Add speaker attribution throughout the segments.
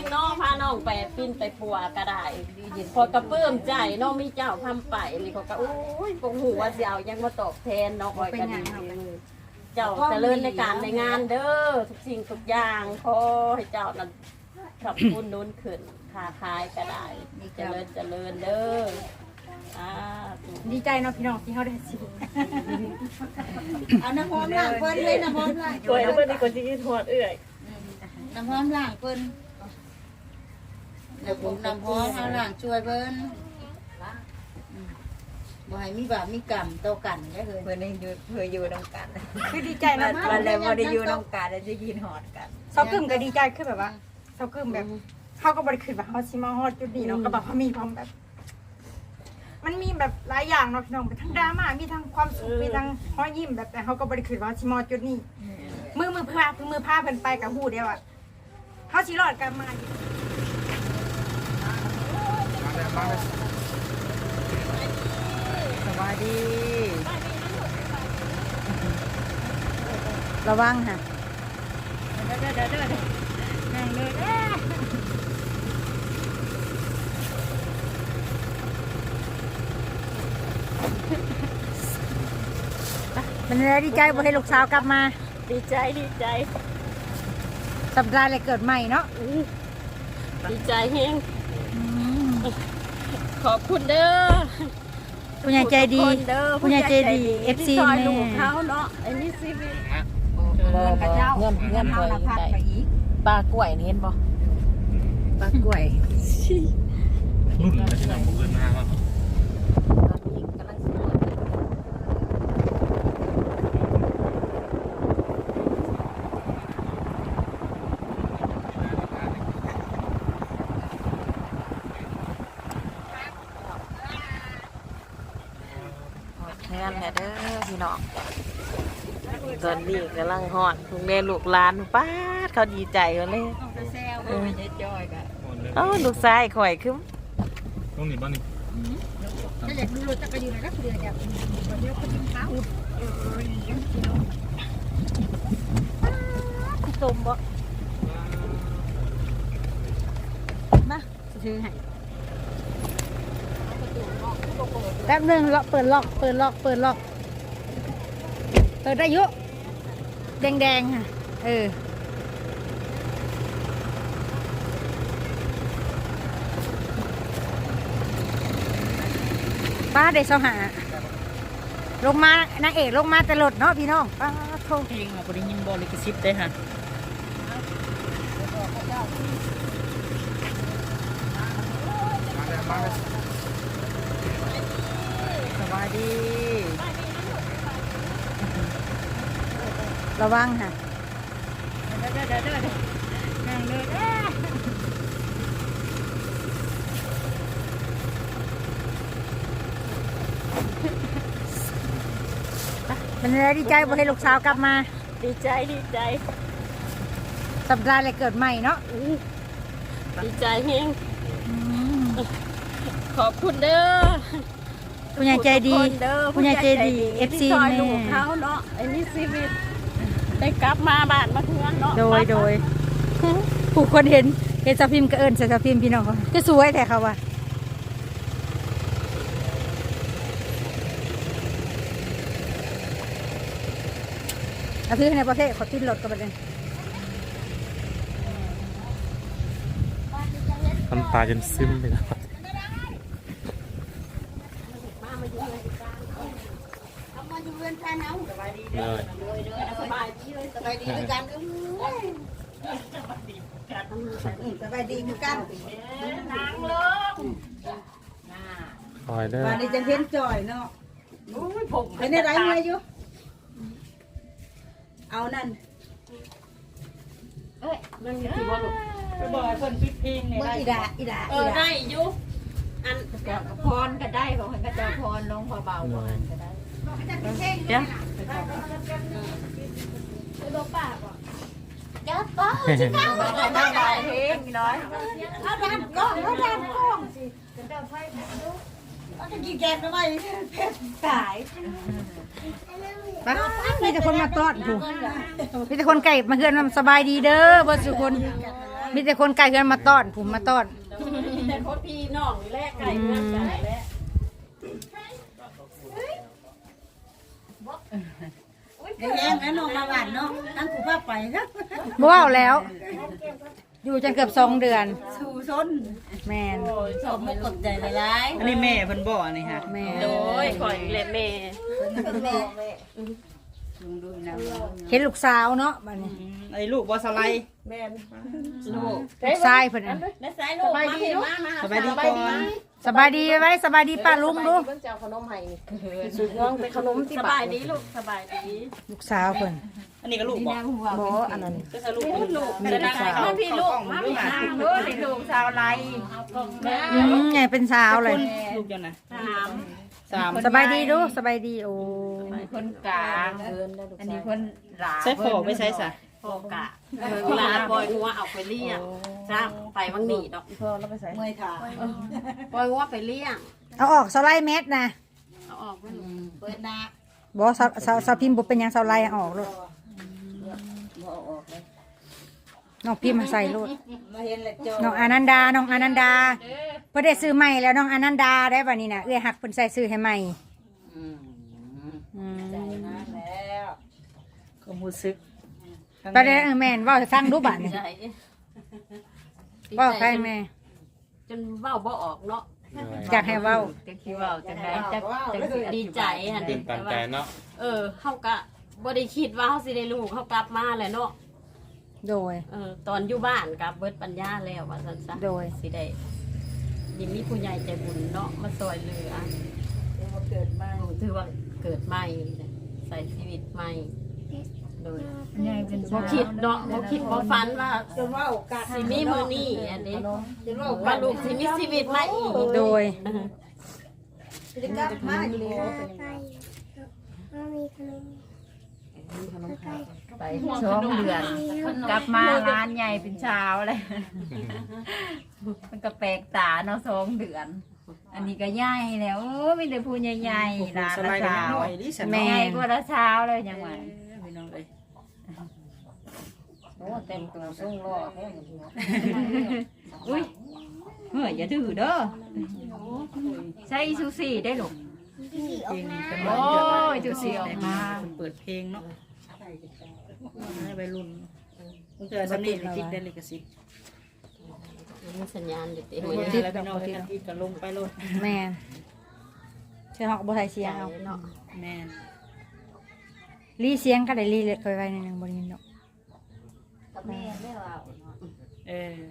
Speaker 1: งน้องพาน้องไปปิ้นไปปัวก็ได้พอกระเพิ่มใจน้องมีเจ้าทำไปนี่เขาก็โอ้ยปงหูว่าเสียวยังมาตอบแทนน้องคอยกันดีเจ้าเจริญในการในงานเด้อทุกสิ่งทุกอย่างขอให้เจ้านั้นขับคุณนู้นขึ้นค้าขายก็ได้เจริญเด้อ
Speaker 2: ดีใจเนาะพี่น้องที่เขาได้สิ
Speaker 3: เอาน้ำหอมล้างเพิ่นเลยน้ำหอมล้าง
Speaker 1: ช่วยเพิ่นดีกว่าที่ทอดเอื้อย
Speaker 3: น้ำหอมล้างเพิ่นแล้วผมน้ำหอมเอาล้างช่วยเพิ่นบ่ให้มีบาปมีกรรมต่อกันได้เลย
Speaker 4: เพิ่นได้อยู่เคยอยู่นำกัน
Speaker 2: คือดีใจนะ
Speaker 4: มันเลยบ่ได้อยู่นำกันแล้วจะกินหอดกัน
Speaker 2: เซากึ่มก็ดีใจคือแบบว่าเซากึ่มแบบเขาก็บ่ได้คิดว่าเขาสิมาฮอดจุดนี้เนาะก็แบบเขามีความแบบมันมีแบบหลายอย่างเนาะพี่น้องไปทั้งดราม่ามีทั้งความสุขมีทั้งห้อยยิ้มแบบแต่เขาก็บริสุทธิ์ว่าชิมอจุดนี้มือพาเพิ่นไปกับหูเดียวอ่ะเขาชิรอดกันมา
Speaker 4: สวัสดีระวังค่ะ
Speaker 2: นั่งเลย
Speaker 4: มันเลยดีใจบ่ให้ลูกสาวกลับมา
Speaker 1: ดีใจ
Speaker 4: สัปดาห์เลยเกิดใหม่เนาะ
Speaker 1: ดีใจเฮงขอบคุณเด้อ
Speaker 4: ผู้ใหญ่ใจดีผู้ใหญ่ใจดี FC แม่
Speaker 1: เขาเนาะไอ้นี่สิวิ
Speaker 4: เงินเขาพักไปอีกปลากล้วยเห็นบ่ปลากล้วย
Speaker 5: รุ่นจะทำบุญมาบ้าง
Speaker 4: งานแม่เด้อพี่น้องตอนนี้กำลังฮอดทุกเรียนลูกหลานป้าดเขาดีใจกันเลยลูกชายข่อยคือ
Speaker 5: ต้องหนีบ้านนี่
Speaker 2: ถ้าอยากดูรถจักรยานก็คืออยากเดี๋ยวคนกินข้าว
Speaker 4: ตุ่มบ่
Speaker 2: มาซื้อให้
Speaker 4: แป๊บนึงเปิดล็อกเปิดได้เยอะแดงค่ะป้าเด็กสหาลงมานางเอกลงมาแต่รถเนาะพี่น้องป้าโทษ
Speaker 1: เพลงเราได้ยินบอลิกซิปได้ค่ะ
Speaker 4: สวัสดีระวังค่ะ
Speaker 2: นั่งเลย
Speaker 4: มันเลยดีใจบ่ให้ลูกสาวกลับมา
Speaker 1: ดีใจ
Speaker 4: สัปดาห์เลยเกิดใหม่เนาะ
Speaker 1: ดีใจเฮงขอบคุณเด้อ
Speaker 4: ผู้ใหญ่ใจดีผู้ใหญ่ใจดี FC แม่
Speaker 1: เขาเนาะไอ้นี่ชีวิตได้กลับมาบ้านมาเทือนเนาะ
Speaker 4: โดยผู้คนเห็นสาวพิมพ์ก็เอิญใส่สาวพิมพ์พี่น้องก็สวยแต่เขาว่าเอาซื้อในประเทศขอติดรถกันไปเลย
Speaker 5: ทำตาจนซึมไปแล้ว
Speaker 3: สบายดีด้วยกันสบายดีคือกันนางลง
Speaker 5: คอยเด้อ
Speaker 3: วันนี้จะเห็นจ่อยเนาะเป็นอะไรเมื่อยอยู่เอานั่น
Speaker 1: มันมีที่ว่าลูกไปบอกให้คนปิดเพลงเนี่ย
Speaker 3: ได้
Speaker 1: ได้อยู่อันกับพรก็ได้ของกระจาพรลงพอเบาพรก็ได้
Speaker 4: เดี๋ยว
Speaker 3: ยับป้าชิคา
Speaker 1: ได้เพลงน้อย
Speaker 3: เอาดันกล้องสิเอาจะกี่แกนทำไมเพชรตาย
Speaker 4: มีแต่คนมาต้อนถูกมีแต่คนไก่มาเฮือนสบายดีเด้อบ่สุคน
Speaker 2: มีแต่คนไกลเกินมาต้อนผมมาต้อน
Speaker 1: มีแต่คนพี่น้องนี่แหละไก่เพื่อนกันแหละ
Speaker 3: เดี๋ยวแย่งนะน้องมาหวานเนาะตั้งกูพาไปนะ
Speaker 2: บ่เอาแล้ว อยู่จนเกือบ2 เดือน
Speaker 3: สู่ซน
Speaker 2: แม่น
Speaker 3: ชมไม่กดใจหลาย
Speaker 6: อันนี้แม่เพิ่นบ่อันนี้ฮะ
Speaker 2: แม่น
Speaker 1: โดยข่อยและแม่
Speaker 3: ลุงดูนะ
Speaker 2: เห็นลูกสาวเนาะบัดนี้
Speaker 6: ไอ้ลูกบ่สไลด์
Speaker 1: แม่ลูก
Speaker 2: ลูกชายเพิ่นน่ะ
Speaker 1: และสายลูกมาเห็นมา
Speaker 6: สบายดีก่อน
Speaker 2: สบายดีไว้สบายดีป้าลุงดู
Speaker 1: เพิ่นจะเอาขนมให้นี่สุดน้องเป็นขนมที่สบายดีลูกสบายดี
Speaker 2: ลูกสาวเพิ่น
Speaker 6: อันนี้ก็ลูกบ่
Speaker 2: บ่อันนั้น
Speaker 6: ก็สรุปเป็นลูก
Speaker 1: จะได้มาพี่ลูกมาพี่นางเด้อลูกสาวไร
Speaker 2: ใหญ่เป็นสาวเลย
Speaker 6: ลูกจังนะ
Speaker 1: สาม
Speaker 6: 3
Speaker 2: สบายดีดูสบายดีโอ้
Speaker 3: คนกลางอันนี้คนหลา
Speaker 6: ใส่ฟอกไปใส่ซะ
Speaker 1: พ่อกะเวลาปล่อยงัวเอาไปเลี้ยงจ้าไปวังหนีดอก
Speaker 3: เมื่อยขา
Speaker 1: ปล่อยงัวไปเลี้ยง
Speaker 2: เอาออกสไลด์เม็ดนะ
Speaker 1: เอาออกไป
Speaker 3: เปิดหน้า
Speaker 2: บ่สาวพิมพ์บ่เป็นหยังสไลด์เอาออกโลด
Speaker 3: บ่ออกเลย
Speaker 2: น้องพิมพ์มาใส่โลด
Speaker 3: มาเห็นแล้วจอ
Speaker 2: น้องอนันดาน้องอนันดาเพิ่นได้ซื้อใหม่แล้วน้องอนันดาได้บัดนี้น่ะเอื้อยฮักเพิ่นใส่ซื้อให้ใหม่อืม
Speaker 3: นะแล้ว
Speaker 6: ก็รู้สึก
Speaker 2: ไปเด้อแม่นเว้าให้ฟังดูบัดนี้
Speaker 1: ใจ
Speaker 2: เว้าใครแม่
Speaker 1: จนเว้าบ่ออกเนาะ
Speaker 2: อยากให้เว้า
Speaker 1: จะคิดว่าจังไดจังดีใจฮะ
Speaker 5: ตื่นตันใจเนาะ
Speaker 1: เฮาก็บ่ได้คิดว่าเฮาสิได้ลูกเฮากลับมาแหละเนาะ
Speaker 2: โดย
Speaker 1: ตอนอยู่บ้านกับเบิดปัญญาแล้วว่าซั่นซะ
Speaker 2: โดย
Speaker 1: สิได้ยินมีผู้ใหญ่ใจบุญเนาะมาซอยเหลือ
Speaker 3: เกิดมา
Speaker 1: ถือว่าเกิดใหม่ใส่ชีวิตใหม่โดย
Speaker 3: ใหญ่เป็น
Speaker 1: บ่คิดเนาะบ่คิดบ่ฝันว่า
Speaker 3: จนว่าโอกาส
Speaker 1: สิมีมื้อนี้อันนี้
Speaker 3: จนว่า
Speaker 1: ว่าลูกสิมีชีวิตใหม่อีก
Speaker 2: โดย
Speaker 3: จะกลับมาอยู่บ่
Speaker 7: ไป2 เดือน กลับมางานใหญ่เป็นเช้าเลย มันก็แปลกตาเนาะ2 เดือน อันนี้ก็ใหญ่แล้วโอ้มีแต่ผู้ใหญ่ๆร้าน
Speaker 6: ส
Speaker 7: ละ
Speaker 6: ไลด์กัน
Speaker 7: เช้า
Speaker 6: หน่อยดิฉัน
Speaker 2: แม่
Speaker 7: ใหญ่กว่าละเช้าเลยยังไง
Speaker 6: พี่น้องเอ้ย
Speaker 3: โอ้เต็มตัวส่งรอแท้
Speaker 7: อุ้ยเฮ้ยอย่าดื้อเด้อใช้ซูซี่ได้หรอ
Speaker 6: เพลงนี้เป็น
Speaker 7: โอ้ยจูซี่ออกมา
Speaker 6: เปิดเพลงเนาะให้วัยรุ่นเจอสำนีติดได้ลิขสิทธิ์
Speaker 1: มีสัญญาณอยู่ติ
Speaker 6: เมื่อแล้วพี่น้องกันที่ก็ลงไปโลด
Speaker 2: แม่นเชื่อฮอกบ่ใส่เสียงเอา
Speaker 1: เนาะ
Speaker 6: แม่น
Speaker 2: รีเสียงก็ได้รีเล็กไว้นิดนึงบ่ได้ยินดอก
Speaker 6: เออ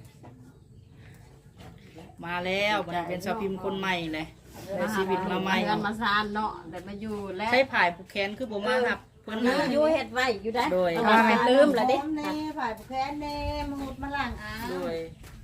Speaker 6: มาแล้วมันเป็นสาวพิมพ์คนใหม่เลยได้ชีวิตมาใหม่
Speaker 1: กันมาซานเนาะได้มาอยู่แล้ว
Speaker 6: ใช้ผายผูกแขนคือบ่มาหับเพิ่น
Speaker 1: อยู่เฮ็ดไว้อยู่ได้
Speaker 6: โดย
Speaker 1: เอาไปลืมแล้วเด้
Speaker 3: แน่ฝ่ายผู้แพ้แน่มาหุดมาหลังอ่ะ
Speaker 6: โดย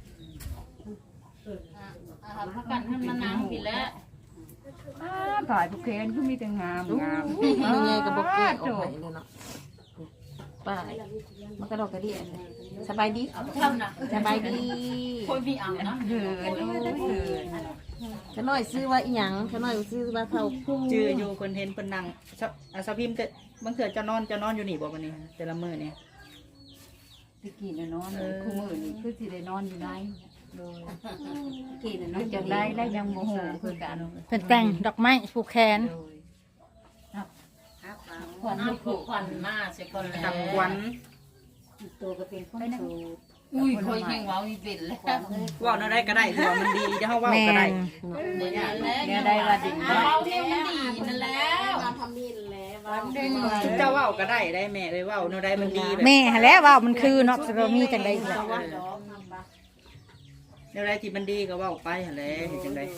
Speaker 1: พักกันให้มันนานผิดแล้ว
Speaker 7: ผ่ายผู้เคนคือมีแต่งามงาม
Speaker 1: ยังไงก็บ่เกิดออกไปเลยเนาะป้ามันก็ดอกกระเดี่ยสบายดีสบายดีคนพี่เอานะ
Speaker 7: เหินโอ้ยเหิน
Speaker 1: ขน้อยซื้อว่าอีหยังขน้อยซื้อว่าเท่าผู้
Speaker 6: จื้ออยู่เพิ่นเห็นเพิ่นนั่งสาวพิมพ์แต่บางเทื่อจะนอนอยู่นี่บ่บัดนี้แต่ละมื้อนี่
Speaker 7: ตะกี้น่ะนอนคู่มือนี่คือสิได้นอนอยู่ไหนโดยกี่น่ะนอนจังได้แล้วยังบ่ฮู้คือกัน
Speaker 2: เพิ่นแต่งดอกไม้ผูกแขน
Speaker 7: ขวัญลูกผูก
Speaker 1: ควันมาเสียก่อนแล้ว
Speaker 6: ตับควัน
Speaker 3: ตัวก็เป็นคนสูง
Speaker 7: อุ้ยคอยแข่งเว้าอีเป็นแล้ว
Speaker 6: เว้าแนวใดก็ได้ถือว่ามันดีเดี๋ยวเฮาเว้า
Speaker 2: แม่
Speaker 6: ก็ได้
Speaker 2: น
Speaker 7: เนี่ยได้ว่าดี
Speaker 1: เอาเนี่ยมันดีนั่นแล้วมาทำนี่แล้วว่า
Speaker 6: เจ้าเว้าก็ได้ได้แม่เลยเว้าแนวใดมันดีแบบ
Speaker 2: แม่หั้นแหล้วว่ามันคือเนาะสิบ่มีจังได๋ล่ะ
Speaker 6: แนวใดที่มันดีก็เว้าไปหั่นแหละเฮ็ดจังได๋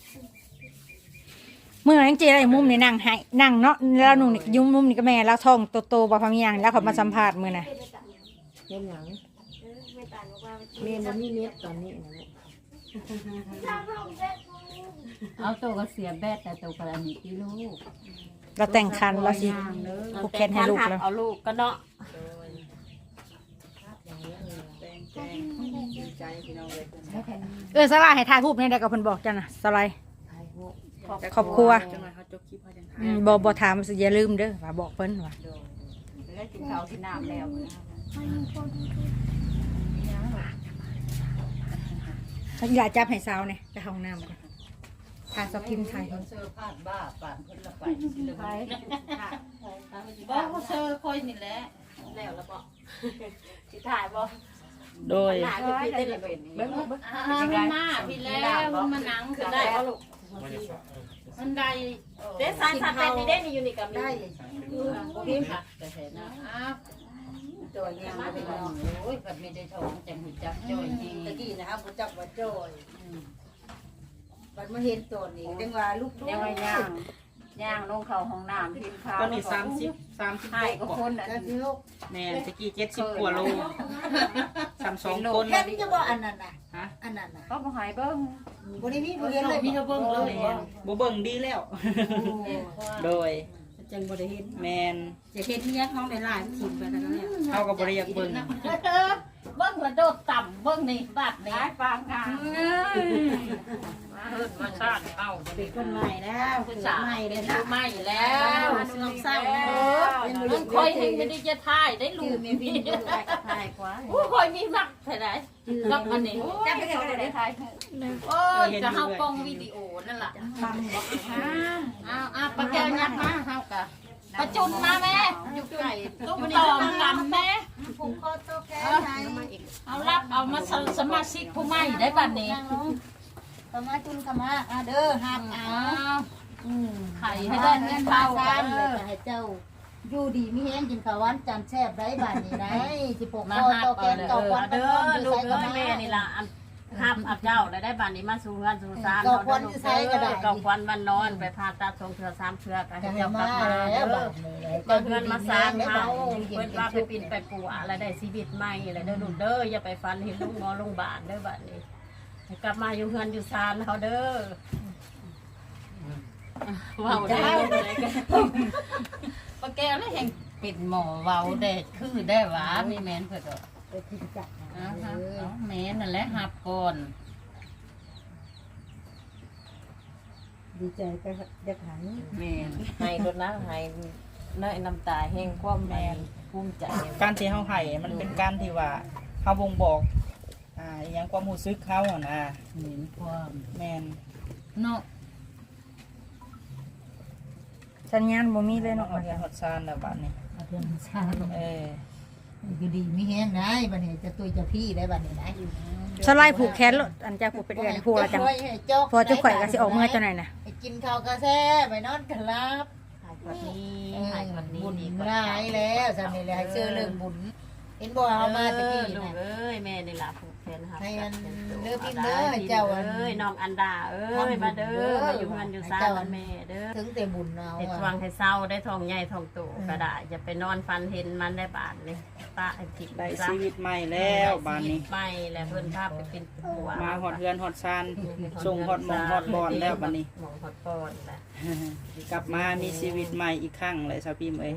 Speaker 2: มื้อนั้นจิได้มุมนี่นั่งให้นั่งเนาะแล้วหนุ่มนี่ยุ่มมุมนี่ก็แม่แล้วท้องโตๆบ่พอมีหยังแล้วเขามาสัมภาษณ์มื้อน่ะ
Speaker 1: เฮ็ดหยังเมนบ่มีเม็ดตอนนี้นะ
Speaker 7: เอาตัวก็เสียแบดแต่ตัวก็อันนี้ที่ลูก
Speaker 2: เราแต่งคันเราสิ ผูกแขนให้ลูกแล้ว
Speaker 1: เอาลูกก็เนาะ
Speaker 6: ดีใจพี่น้องเลย
Speaker 2: สลายให้ถ่ายรูปนี่ได้ก็เพิ่นบอกจ้ะน่ะสลายครอบครัว
Speaker 6: จังหวะเขาจบคลิปเขาจัง
Speaker 2: บ่ถามสิอย่าลืมเด้อว่าบอกเพิ่นว่า
Speaker 7: ได้กินข้าวกินน้ำแล้ว
Speaker 2: เขาอยากจับให้สาวเนี่ยไปห้องน้ำก่อนพาสาวพิมพ์ถ่าย
Speaker 6: เซอร์พาดบ้าป่านเพิ่นละไปสิเลยบ่เขาเซอร์คอยนี่แหละ
Speaker 1: แล้วแล้วบ่สิถ่ายบ่
Speaker 4: โดย
Speaker 1: หลานจะพี่ได้เป็นเบิ่ง
Speaker 6: มันมาพี่แล้วมันมานั่ง
Speaker 1: คือได้บ่ลูก
Speaker 6: มันได้
Speaker 1: เด้สายสาเป็นนี่เด้นี่อยู่นี่กับได้
Speaker 6: พี่ค่ะแต่เห็นนะอ้าวจอยยังไม่ได้ลองโอ้ยแบบไม่ได้ท้องจังหูจักจอยจริง
Speaker 3: ตะกี้นะครับผมจับว่าจ้อยบัดมาเห็นตัวนี้จังว่าลูก
Speaker 7: ยังไงย่างลงเข้าห้องน้ำพิมพ์ข้าว
Speaker 4: ตอนนี้30
Speaker 7: ให้ก็คนอ่ะ
Speaker 3: กันลูก
Speaker 4: แม่ตะกี้70กว่าโล32คน
Speaker 3: แค่นี้จะบอกอันนั้นน่ะ
Speaker 4: ฮะ
Speaker 3: อันนั้นน่ะ
Speaker 7: ก็บ่หายเบิ่ง
Speaker 3: บ่ได้มีผู้เรียนเลย
Speaker 6: มีเธอเบิ่งเลย
Speaker 4: บ่เบิ่งดีแล้ว โดย
Speaker 6: จังบ่ได้เห็น
Speaker 4: แมน
Speaker 6: จะเห็นเนี้ยน้องได้หลายถิ่นไปแล้วเนี่ย
Speaker 4: เขาก็บ่ได้อยากเบิ่ง
Speaker 6: เบิ่งแล้วโดดต่ำเบิ่งนี่บาดนี่
Speaker 7: หายปางกลาง
Speaker 6: มาเฮิดมาชาติเอาเป็นคนใหม่แล้วคนใหม่เลยนะใหม่แล้วน้องสาวมันคอยเห็นไม่ได้จะถ่ายได้ลูกมีพี่ถ่ายกว่าโอ้คอยมีมักเท่าไหร่กับอันนี้
Speaker 7: จับไปก็ได้ถ่าย
Speaker 6: โอ้ยจะเฮากล้องวิดีโอนั่นล่ะเอาปากแก้วยักมาเฮากะประจุนมาแม่อยู่ไก่ตุ้มตอมกันแม่
Speaker 3: ผมก็โตแก่ไหน
Speaker 6: เอารับเอามาสมาชิกผู้ใหม่ได้บัดนี้
Speaker 3: สมาจุนขมาเด้อหักเอา
Speaker 6: ไข่ให้ได้เงินเบา
Speaker 3: กันเลยให้เจ้าอยู่ดีมีแห้งกินข้าวหวานจานแซ่บได้บ้านนี้ได้สิปกคอโตแก่เก่าควัน
Speaker 1: เด้อลูกเอ้ยแม่นี่ล่ะห้ามอับเจ้าแล้วได้บ้านนี้มาสู่เงินสู่ซานเก่าควันมันนอนไปผ่าตัด2เทื่อ3เทื่อก็ให้เจ้ากลับมาเด้อก็เงินมาซานเฮาเพิ่นว่าไปปิ่นไปปัวอะไรได้ชีวิตใหม่อะไรเด้อลูกเด้ออย่าไปฟันเห็นลูกหมอโรงพยาบาลเด้อบัดนี้ให้กลับมาอยู่เฮือนอยู่ซานเฮาเด้อว้าวได้เลยกัน
Speaker 6: ปากแก้วแล้วแห่งปิดหมอเว้าแดดคือได้หวามีแม่นเพิ่น
Speaker 3: ไปทิ้งจัก
Speaker 6: แม่นั่นแหละหับก่อน
Speaker 3: ดีใจไปเด็กหัน
Speaker 6: แม่
Speaker 4: ให้รถนะให้น้อยน้ำตาแห้งความแมนภูมิใจ
Speaker 8: การที่เฮาให้มันเป็นการที่ว่าเฮาบ่งบอกอหยังความรู้สึกเขาอะนะ
Speaker 6: เห็นความ
Speaker 8: แม่น
Speaker 6: เนาะ
Speaker 2: สัญญาณบ่มีเลย
Speaker 8: เนาะ
Speaker 2: เนาะ
Speaker 8: เอาเรียนฮอดซานแล้วบัดนี้
Speaker 3: เพื่อนชา
Speaker 8: อยู่
Speaker 3: ดีมีแห้งได้บัดนี้จะตุยจะพี่ได้บัดนี้นะ
Speaker 2: สไลด์ผูกแขนรถอันจะผูกเป็นเดือนผูกแล้วจังพอจะข่อยก็สิออกเมื่อเจ้าหน่อยนะ
Speaker 3: กินข้าวกาแฟไปนอนกันลับ
Speaker 1: หายแบบนี้หายแบบนี้
Speaker 3: บุญ
Speaker 1: ดีกว่า
Speaker 3: ร้ายแล้วสามีเลยให้เชื่อเรื่องบุญเห็นบ่เอามาตะกี้
Speaker 1: ลูก
Speaker 3: นะ
Speaker 1: เอ้ยแม่นี่ล่ะผูกแขนครับ
Speaker 3: ให้อันเด้อพี่เด้อเจ้าอัน
Speaker 1: เอ้ยน้องอันดาเอ้ยมาเด้อมาอยู่เฮือนอยู่ซ่านแม่เด้อ
Speaker 3: ถึงแต่บุญเอา
Speaker 1: เฮ็ดวังให้เศร้าได้ทองใหญ่ทองโตก็ได้อย่าไปนอนฟันเห็นมันได้บาทเลยป้าไอ้จิต
Speaker 8: ได้ชีวิตใหม่แล้วบัดนี้
Speaker 1: ไม่แล้วเพิ่นพาไปเป็นผัว
Speaker 8: มาฮอดเฮือนฮอดซานส่งฮอดหมองฮอดบอนแล้วบัดนี้
Speaker 1: หมองฮอดบอนแหละ
Speaker 8: กลับมามีชีวิตใหม่อีกครั้งเลยชาวพิมพ์เอ้ย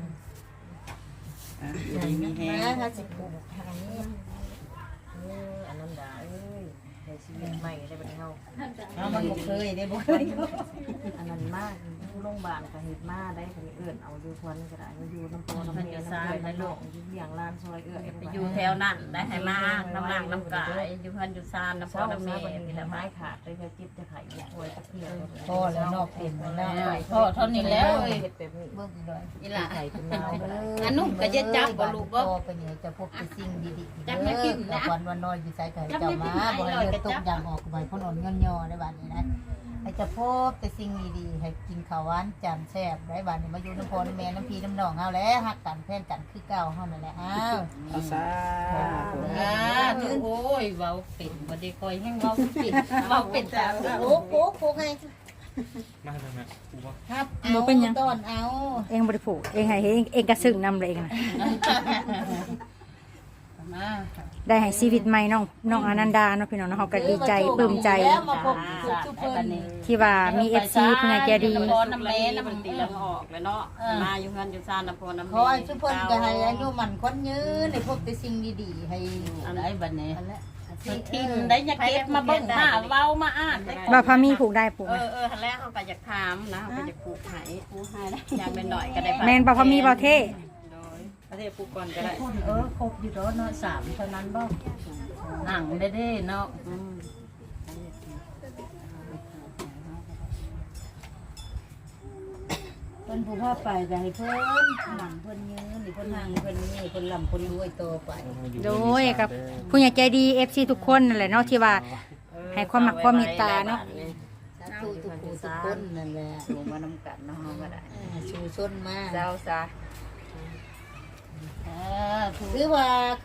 Speaker 8: อยู่ดีมีแฮง
Speaker 3: ถ้าสิผูกทางนี้
Speaker 4: อันนั้นดาเอ้ยในชีวิตใหม่ได้บัดนี้เฮา
Speaker 3: เอามันบ่เคยได้บ่เคย
Speaker 4: อันนั้นมากอยู่โรงพยาบาลก็เฮ็ดมาได้ก็เอื้อนเอาอยู่ควันก็ได้อยู่น้ำโพน้ำเมน้ำเกลือน้ำหลงอยู่เลี้ยงร้านซอยเอื้อ
Speaker 1: ไปอยู่แถวนั้นได้ให้มาน้ำหลังน้ำกายอยู่เพิ่นอยู่ซานน้ำพอ
Speaker 4: เช้า
Speaker 1: น้ำเม
Speaker 4: มาวัน
Speaker 1: นี่
Speaker 4: นี้
Speaker 1: แหละ
Speaker 4: ไม้
Speaker 1: มา
Speaker 4: ขาดไปจะจิบจะไข่อยากป่วยจะเพีย
Speaker 3: พอแล้วนอกเป็นแล้ว
Speaker 6: พ่อเท่านี้แล้วเอ้ย
Speaker 4: เฮ็ดแบบนี้
Speaker 3: เบิ่งอีกหน่อย
Speaker 6: นี่ล่ะ
Speaker 4: ไข่เป็นนาวเลย
Speaker 6: อันนู้นก็จะจับบ่ลูกบ่
Speaker 3: พอไปเนี่ยจะพบแต่สิ่งดีๆ
Speaker 6: จับไม่กินนะ
Speaker 3: วันน้อยอยู่ใส่ไก่เจ้ามาบ่ให้เลือดตกยางออกไปพ่นอ่อนย่อๆได้บัดนี้นะให้จะพบแต่สิ่งดีๆให้กินข้าวหวานจานแซ่บได้บัดนี้มาอยู่น้ำพอน้ำแม่น้ำพี่น้ำน้องเฮาแล้วฮักกันแพร่กันคือเก่าเฮานั่นแหละอ้าว
Speaker 8: เอาซะ
Speaker 6: โอ้ยเว้าเป็นบ่ได้คอยแห้งเว้าเป็นเว้าเป็นแต่
Speaker 3: โอ้โหโคกให้
Speaker 5: มาทำไมกูว่า
Speaker 3: ครับเอาต้อนเอา
Speaker 2: เองบ่ได้ผูกเองให้เองกระซึ้งนำเลยเองนะ
Speaker 6: มา
Speaker 2: ได้ให้ชีวิตใหม่น้องอนันดาเนาะพี่น้องเนาะเฮาก็ดีใจปลื้มใจ
Speaker 3: แล้วมาพบทุกเพิ่น
Speaker 2: ที่ว่ามี FC ผู้ใหญ่ใจดี
Speaker 1: น้ำพอน้ำเมน้ำมันตีแล้วออกแล้วเนาะมาอยู่เฮือนอยู่ซานน้ำพอน้ำเม
Speaker 3: ขอให้ทุกเพิ่นก็ให้อายุมันคนยืนให้พบแต่สิ่งดีๆให้
Speaker 6: อะไรบัดนี้
Speaker 3: อันละ
Speaker 6: ทิ้งได้อยากเก็บมาเบิ่งมาเว้ามาอ่าน
Speaker 2: ว่าพามีผูกได้ผูกไหม
Speaker 1: ทันแรกเขาก็อยากถามนะเขาก็อยากปลูกไห้ปลูกไห้ได้อยากเป็นหน่อยก็ได้
Speaker 2: แม่นบ่พามีบ่เท่
Speaker 8: ประเทศปูก่อนก็ได้
Speaker 6: คนครบอยู่แล้วเนาะ3เท่านั้นบ่หนังได้เนาะ
Speaker 3: เพิ่นผู้พาไปก็ให้เพิ่นหนังเพิ่นยืนนี่เพิ่นนั่งเพิ่นนี่เพิ่นลำเพิ่นรวยโตไป
Speaker 2: โดยกับผู้ใหญ่ใจดี FC ทุกคนนั่นแหละเนาะที่ว่าให้ความมักความเมตตาเนาะ
Speaker 3: สาธุทุกผู้ทุกคนนั่นแหละ
Speaker 7: สูงมานำกันเนาะก็ได้
Speaker 3: ชูชนมา
Speaker 7: เจ้าซะ
Speaker 3: คือว่า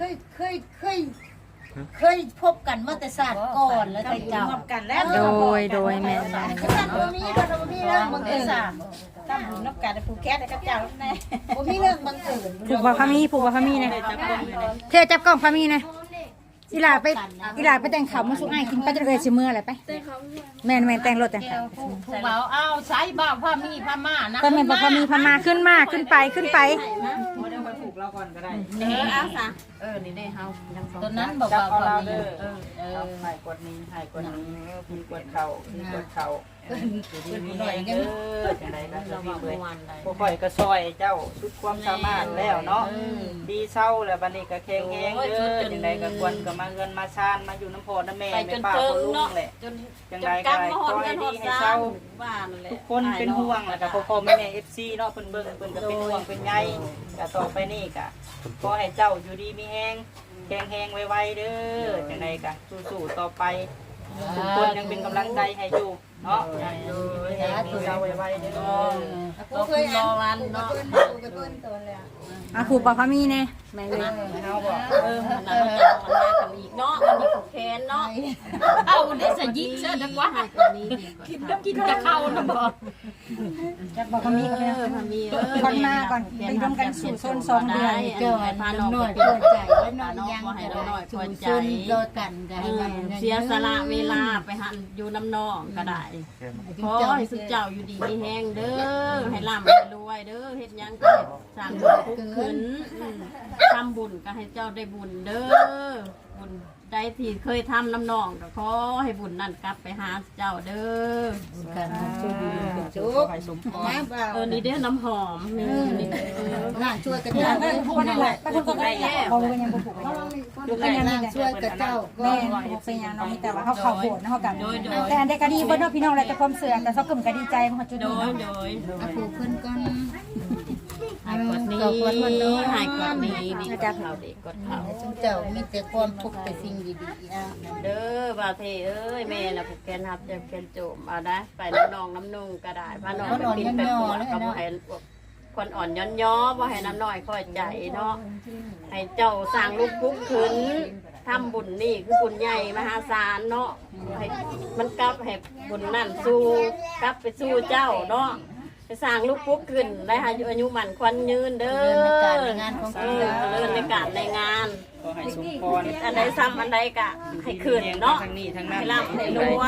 Speaker 3: เคยพบกันมาแต่ศาสตร์ก่อนแล้วแต่เจ้า
Speaker 8: พบกันแล้ว
Speaker 2: โดยแม่
Speaker 3: ขนาดบ่มีก็บ่มีเรื่องบังเอิญ
Speaker 8: ตั้งบุญนับกันผูกแก๊สกับเจ้าแน่
Speaker 3: บ่มีเรื่องบังเอิญ
Speaker 2: ผูกบ่พามีนะเธอจับกล้องพามีนะอีหลาไปแต่งข้าวมาสู่อ้ายกินไปจะเอ่ยสิมื้ออะไรไปแม่นแต่งรถแต่งข้าว
Speaker 6: ผู้เบาเอาใช้บ่าวพามีพามานะ
Speaker 2: ก็แม่นบ่พามีพามาขึ้นไป
Speaker 8: บ่ได้ไปผูกเราก่อนก็ได้
Speaker 1: เอาซะนี่ได้เฮายังสอง
Speaker 7: ตอนนั้นบอก
Speaker 8: จับ
Speaker 7: ว่า
Speaker 8: เอาเรา
Speaker 7: มี
Speaker 8: เด้อหายกดนี้หายกดนี้พี่กดเข่าพี่กดเข่าหน่อยเด้อจังไดก็จะมีเลยบ่ค่อยก็ซอยเจ้าสุดความสามารถแล้วเนาะดีเศร้าแล้วบัดนี้ก็แข็งแรงเด้อจังไดก็ควรก็มาเงินมาชานมาอยู่น้ำพ่อน้ำแม่
Speaker 1: ไปจ
Speaker 8: แม่
Speaker 1: น
Speaker 8: ป้า
Speaker 1: เติ
Speaker 8: พ่
Speaker 1: ง
Speaker 8: อลุง
Speaker 1: เนาะ
Speaker 8: แหละ
Speaker 1: จน
Speaker 8: จัง
Speaker 1: จ
Speaker 8: ได
Speaker 1: น
Speaker 8: ก็
Speaker 1: กำมาหอด
Speaker 8: ขอ
Speaker 1: กั
Speaker 8: ให้
Speaker 1: นห
Speaker 8: ดี
Speaker 1: อด
Speaker 8: ให้
Speaker 1: ซา
Speaker 8: เศร้า
Speaker 1: บ้านนั่นแหละ
Speaker 8: ทุกคนเป็นห่วงแล้วก็พ่อแม่ๆ FC เนาะเพิ่นเบิ่งเพิ่นก็เป็นห่วงเป็นใยก็ต่อไปนี่ก็ขอให้เจ้าอยู่ดีมีแฮงแข็งแรงไวๆเด้อจังไดก็สู้ๆต่อไปทุกคนยังเป็นกำลังใจให้อยู่เนาะสู้ๆไวๆเด้อ
Speaker 1: ก็เคยรอวันเนาะ
Speaker 2: ผูกบ่พามีแน่แม่เลย
Speaker 8: เฮาบอก
Speaker 1: มันน่ะมันจะมันมากันอีกเนาะมันมีผูกแขนเนาะ
Speaker 6: เอาได้สยิกเสื้อดังว่ากินจะเข้านะบอก
Speaker 2: จับบ่พามีก็
Speaker 1: พามี
Speaker 2: ก่อนมาก่อนไปร่วมกันสู่โซน2เดือน
Speaker 1: เจ้าพาน้อง
Speaker 3: น้อย
Speaker 1: ไป
Speaker 3: เพื่อใจ
Speaker 1: ไว้
Speaker 3: และ
Speaker 1: น้
Speaker 3: น้
Speaker 1: อ
Speaker 3: อย ย
Speaker 1: ยั
Speaker 3: ยัง ง
Speaker 1: ให้
Speaker 3: ก็
Speaker 1: น้
Speaker 3: ได้
Speaker 1: อย
Speaker 3: ชุ
Speaker 1: คว
Speaker 3: ม
Speaker 1: ร
Speaker 3: ช
Speaker 1: ใจ
Speaker 3: นโดยกันก็ให้มัน
Speaker 1: เสียสละเวลาไปหันอยู่น้ำนองก็ได้ขอให้สุดเจ้าอยู่ดีมีแห้งเด้อให้ร่ำให้รวยเด้อเฮ็ดหยังก็ให้สร้างบุญคุกขึ้นทำบุญก็ให้เจ้าได้บุญเด้อบุญใดที่เคยทำน้ำนองก็ขอให้บุญนั่นกลับไปหาเจ้าเด้อ
Speaker 3: กันชุบชุบมาเปล่า
Speaker 1: นี่เด้อน้ำหอมนี่
Speaker 3: ล่างช่วยกระเจ้า
Speaker 2: คนนั่นแหละคนก็ได้เขารู้ยังบ่ผูก
Speaker 3: ดูกันล่างช่วยกระเจ้าก็
Speaker 2: แม่บ่เป็นหยังน้องแต่ว่าเขาเข้าโบสถ์นะเขากันแต่อันใดก็ดีเบิ่นเนาะพี่น้องแล้วแต่ความเสื่อแต่เขากึ่มก็ดีใจมันจุด
Speaker 1: โด
Speaker 2: นี้
Speaker 1: ย
Speaker 2: เนาะ
Speaker 1: โดย
Speaker 3: ผูกขึ้นก่อน
Speaker 1: หายกดนี้หายกดนี้ดีกดเขาดีกดเขา
Speaker 3: ชุมเจ้ามีแต่ความทุกข์แต่สิ่งดีๆนะ
Speaker 1: เด้อบาเทเอ้ยแม่น่ะผูกแขนหับจะแขนโจมเอาได้ไปน้องน้ำนุ่งก็ได้พาน้องไปกินไปปวดก็บ่ให้คนอ่อนย้อนย้อบ่ให้น้ำน้อยค่อยใจเนาะให้เจ้าสร้างลูกปุ๊บขึ้นทำบุญนี่คือบุญใหญ่มหาศาลเนาะให้มันกลับให้บุญนั่นสู้กลับไปสู้เจ้าเนาะไปสร้างลูกปุ๊บขึ้นได้อายุมันควันยืนเด้อเลื่อนในการในงาน
Speaker 8: ขอให้สมพร
Speaker 1: อันใดซ้ำอันใดกะให้ขึ้นเนาะ
Speaker 8: ทั้งนี้ทั้งนั้น
Speaker 1: ให้ร่ำให้รวย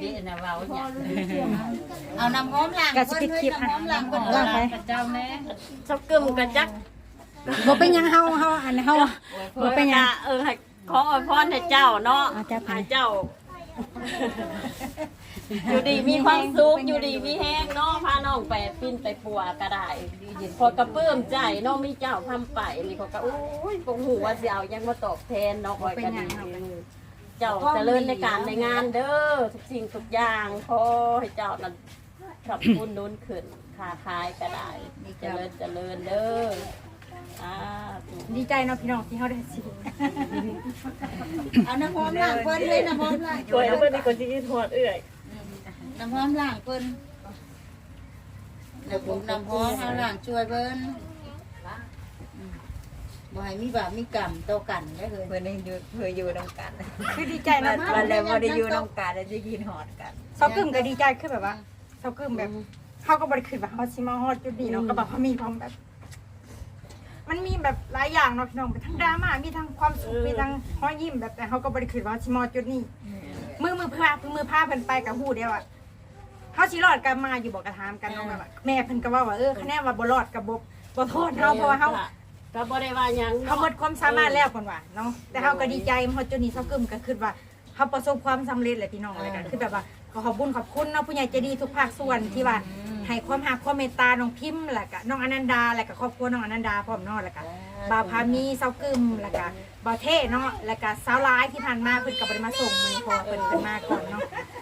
Speaker 3: เอาน้ำหอมล้างเพิ่นเฮ้ยน้ำหอมล้างเพิ่น
Speaker 2: ว่าไป
Speaker 6: เจ้าแม่
Speaker 1: ชอบกึมกะจัก
Speaker 2: บ่เป็นหยังเฮาอันเฮาบ่เป็นหยัง
Speaker 1: ให้ขออวยพรให้เจ้าเนาะ
Speaker 2: เอาจ้ะไป
Speaker 1: ให้เจ้า อยู่ดีมีความสุขอยู่ดีมีแห้งเนาะพาน้องไปปิ้นไปปัวก็ได้พอกระเปื้มใจเนาะมีเจ้าทำไปนี่เขาก็โอ้ยปงหูว่าสิเอายังมาตอบแทนเนาะคอยกันดีเจ้าเจริญในการในงานเด้อทุกสิ่งทุกอย่างขอให้เจ้านั้นขับบุญนุนขึ้นค้าขายก็ได้เจริญเด้อธุ
Speaker 2: ดีใจเนาะพี่น้องที่เฮาได้สิ
Speaker 3: เอาน้ำหอมล้างเพิ่นเลยน้ำหอมล้าง
Speaker 1: โดยเอาไปในคนที่ทอดเอื้อย
Speaker 3: น้ำหอมล้างเพิ่นแล้วผมน้ำหอมล้างช่วยเพิ่นบ่ให้มีบาปมีกรรมต่อกันได้เลย
Speaker 7: เพื่อนอยู่นำกัน
Speaker 2: คือดีใจเนาะ
Speaker 7: วันแล้วบ่ได้อยู่นำกันแล้วจะกินหอดกัน
Speaker 2: เซากึ่มก็ดีใจคือแบบว่าเซากึ่มแบบเฮาก็บ่ได้คิดว่าเฮาสิมาฮอดจุดนี้เนาะก็แบบเฮามีความแบบ มันมีแบบหลายอย่างเนาะพี่น้องเป็นทั้งดราม่ามีทั้งความสุขมีทั้งรอยยิ้มแบบแต่เฮาก็บ่ได้คิดว่าสิมาฮอดจุดนี้มือพาเพิ่นไปกับฮู้เดียวอ่ะเฮาสิรอดกันมาอยู่บ่กระถามกันเนาะแบบว่าแม่เพิ่นก็ว่าคะแนนว่าบ่รอดก็บ่โทษเฮาเพราะว่าเฮา
Speaker 1: ก็บ่ได้ว่าหยัง
Speaker 2: เขาหมดความสามารถแล้วคนว่าเนาะแต่เขาก็ดีใจเพราะจุดนี้เขากึมก็คือว่าเขาประสบความสำเร็จแหละพี่น้องอะไรกันคือแบบว่าขอบคุณเนาะผู้ใหญ่ใจดีทุกภาคส่วนที่ว่าให้ความรักความเมตตาน้องพิมพ์แล้วก็น้องอนันดาแล้วก็ครอบครัวน้องอนันดาพร้อมเนาะแล้วก็บ่าวพามีเซากึมแล้วก็บ่าวเท่เนาะแล้วก็สาวร้ายที่ผ่านมาเพิ่นก็บ่ได้มาส่งมื้อนี้เพอเพิ่นมาก่อนเนาะ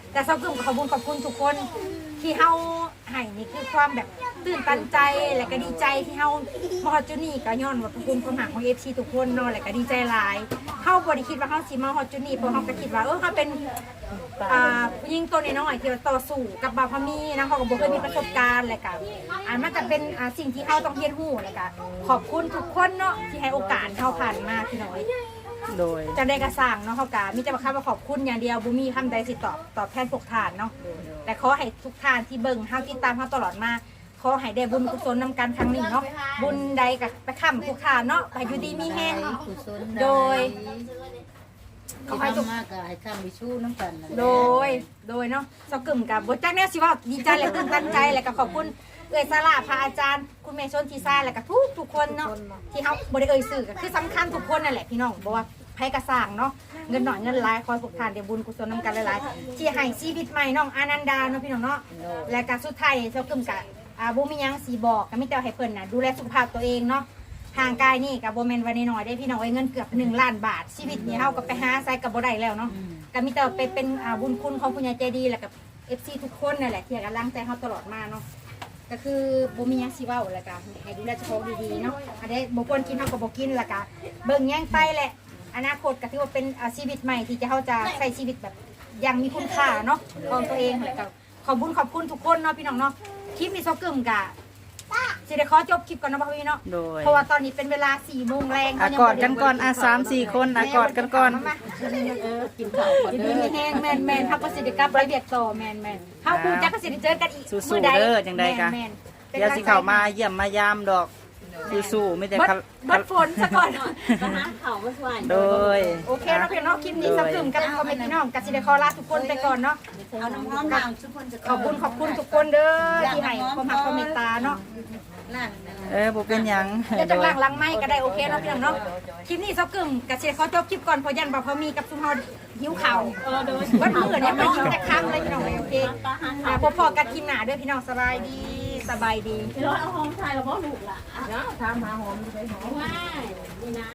Speaker 2: แต่เซากึ่มขอบคุณทุกคนที่เฮาให้นี่คือความแบบตื่นตันใจและก็ดีใจที่เฮามาฮอดจุดนี้ก็ย้อนว่าขอบคุณความหักของ FC ทุกคนเนาะและก็ดีใจหลายเฮาบ่ได้คิดว่าเฮาสิมาฮอดจุดนี้เพราะเฮาก็คิดว่าเฮาเป็นผู้หญิงตัวน้อยๆที่ต่อสู้กับบ่าวพามีนะเฮาก็บ่เคยมีประสบการณ์และก็มันจะเป็นสิ่งที่เฮาต้องเรียนรู้และก็ขอบคุณทุกคนเนาะที่ให้โอกาสเฮาผ่านมาพี่น้อย
Speaker 8: โดย
Speaker 2: จะได้กระสั่งเนาะเขากามีแต่คำว่าขอบคุณอย่างเดียวบุมีคำใดสิตอบแทนพวกทานเนาะแต่ขอให้ทุกทานที่เบิ่งเฮาที่ตามเฮาตลอดมาขอให้ได้บุญกุศลนำกันครั้งนี้เนาะบุญใดกับไปค้ำพวกทานเนาะไปอยู่ดีมีแห้ง
Speaker 3: กุศล
Speaker 2: โดย
Speaker 3: ขอให้ทุกมากก็ให้ข้ามไปชู้น้ำกันนั่นแหละ
Speaker 2: โดยเนาะสกึมกับบทจักเนี่ยสิว่าดีใจและตื่นตันใจและก็ขอบคุณเอ่ยสลาพระอาจารย์คุณเมชนทีซ่าและก็ทุกคนเนาะที่เฮาบ่ได้เอ่ยสื่อก็คือสำคัญทุกคนนั่นแหละพี่น้องบอกว่าไผกระสร้างเนาะเงินหน่อยเงินหลายคอยพวกทานเดี๋ยวบุญกุศลนำกันหลายๆที่ให้ชีวิตใหม่น้องอานันดาเนาะพี่น้องเนาะและก็สุดท้ายเจ้ากึมกะบ่มีหยังสิบอกก็มีแต่ให้เพิ่นน่ะดูแลสุขภาพตัวเองเนาะทางกายนี่ก็บ่แม่นว่าน้อยๆได้พี่น้องเอ้ยเงินเกือบ1 ล้านบาทชีวิตนี้เฮาก็ไปหาใส่ก็บ่ได้แล้วเนาะก็มีแต่เป็นบุญคุณของผู้ใหญ่ใจดีแล้วก็ FC ทุกคนนั่นแหละที่ให้กำลังใจเฮาตลอดมาเนาะก็คือบ่มีหยังสิเว้าแล้วก็ให้ดูแลเจ้าของดีๆเนาะอันนี้บ่ควรกินเฮาก็บ่กินแล้วก็เบิ่งแย่งไปแหละอนาคตก็ถือว่าเป็นชีวิตใหม่ที่เฮาจะใช้ชีวิตแบบอย่างมีคุณค่าเนาะของตัวเองแล้วก็ขอบคุณทุกคนเนาะพี่น้องเนาะคลิปนี้ซอกึมกะสิได้ขอจบคลิปก่อนเนาะพี่เนาะ
Speaker 8: โดย
Speaker 2: เพราะว่าตอนนี้เป็นเวลา4 โมงแรง
Speaker 8: กอดกันก่อน3-4 คนกอดกันก่อน
Speaker 1: กินข้าวก่อน
Speaker 2: กิน
Speaker 1: เด้อ
Speaker 2: แห้งแมนๆเฮาก็สิได้กลับไปเรียกต่อแมนเฮาคูจักก็สิได้เจอกันอีก
Speaker 8: สู้ๆเด้อจังใดกะ
Speaker 2: แม่นๆ
Speaker 8: เดี๋ยวสิเข้ามาเยี่ยมมายามดอกสู้ๆไม่แต่
Speaker 2: บัดฝนซะก่อน
Speaker 1: ก็หาข้าวมาช่วย
Speaker 8: โดย
Speaker 2: โอเคเนาะพี่น้องคลิปนี้สักถึงกันพ่อแม่พี่น้องก็สิได้ขอลาทุกคนไปก่อนเนาะ
Speaker 3: เอาน้ำหอมน้ำทุกคนจะ
Speaker 2: ขอบคุณทุกคนเด้อที่ให้ความรักความเมตตาเนาะ
Speaker 3: นั่น
Speaker 8: บ่เป็นหยัง
Speaker 2: เดี๋ยวจังหลังไม้ก็ได้โอเคเนาะพี่น้องเนาะคลิปนี้สักถึงก็สิได้ขอจบคลิปก่อนเพราะยันบ่พอมีกับซุมเฮาหิวข้าววันมื้อเนี่ยไปกินแต่ค่ำเลยพี่น้องโอเคพอๆกันคลิปหน้าเด้อพี่น้องสบายดี
Speaker 1: พี่ร้อยเอาหอมไทยแล้วพ่อลูกล่ะเนาะทำหาหอมไปหอมง่ายนี่นะ